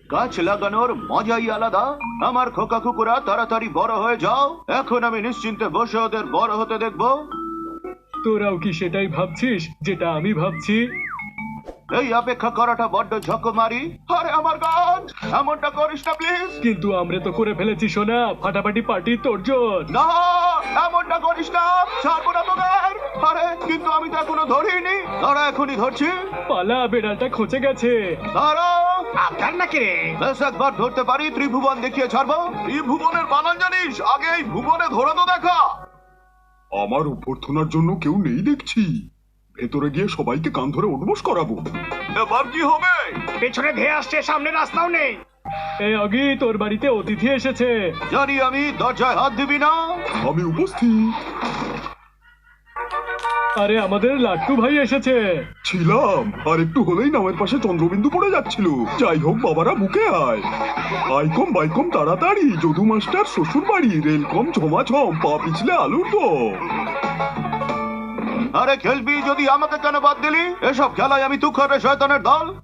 গাছ লাগানোর মজাই আলাদা। আমার খোকা কুকুরা তাড়াতাড়ি বড় হয়ে যাও, এখন আমি নিশ্চিন্তে বসে ওদের বড় হতে দেখবো। তোরাও কি সেটাই ভাবছিস যেটা আমি ভাবছি? এই অপেক্ষা করাটা বড্ড ঝকমারি। আরে আমার গাছ, এমনটা করিস না প্লিজ। কিন্তু আমরা তো করে ফেলেছি সোনা, ফাটাফাটি পার্টি তোরজোর। না, এমনটা করিস না, ছাড়বো না তোদের। আরে কিন্তু আমি তো এখনো ধরিনি। তারা এখনই ধরছি। পালা, বেড়ালটা খচে গেছে। তারা আপনার নাকি রে? বেশ একবার ধরতে পারি, ত্রিভুবন দেখিয়ে ছাড়বো। ত্রিভুবনের বানান জানিস? আগে এই ভুবনে ধরে তো দেখা। আমার অভ্যর্থনার জন্য কেউ নেই দেখছি। ভেতরে গিয়ে সবাইকে কান ধরে উঠবোস করাবো। এবার কি হবে? পেছনে ধেয়ে আসছে, সামনে রাস্তাও নেই। এই অগি, তোর বাড়িতে অতিথি এসেছে। জানি আমি, দরজায় হাত দিবি না। আমি উপস্থিত আরে আমাদের লাট্টু ভাই এসেছে। ছিলাম, আর একটু হলেই নামের পাশে চন্দ্রবিন্দু পড়ে যাচ্ছিল। যাই হোক বাবারা, বুকে আয়। আইকম বাইকম তাড়াতাড়ি, যদু মাস্টার শ্বশুর বাড়ি, রেলকম ঝমাঝম, পা পিছলে আলুর দম। আরে খেলবি যদি, আমাকে কেন বাদ দিলি? এসব খেলায় আমি তুখরে শয়তানের দল।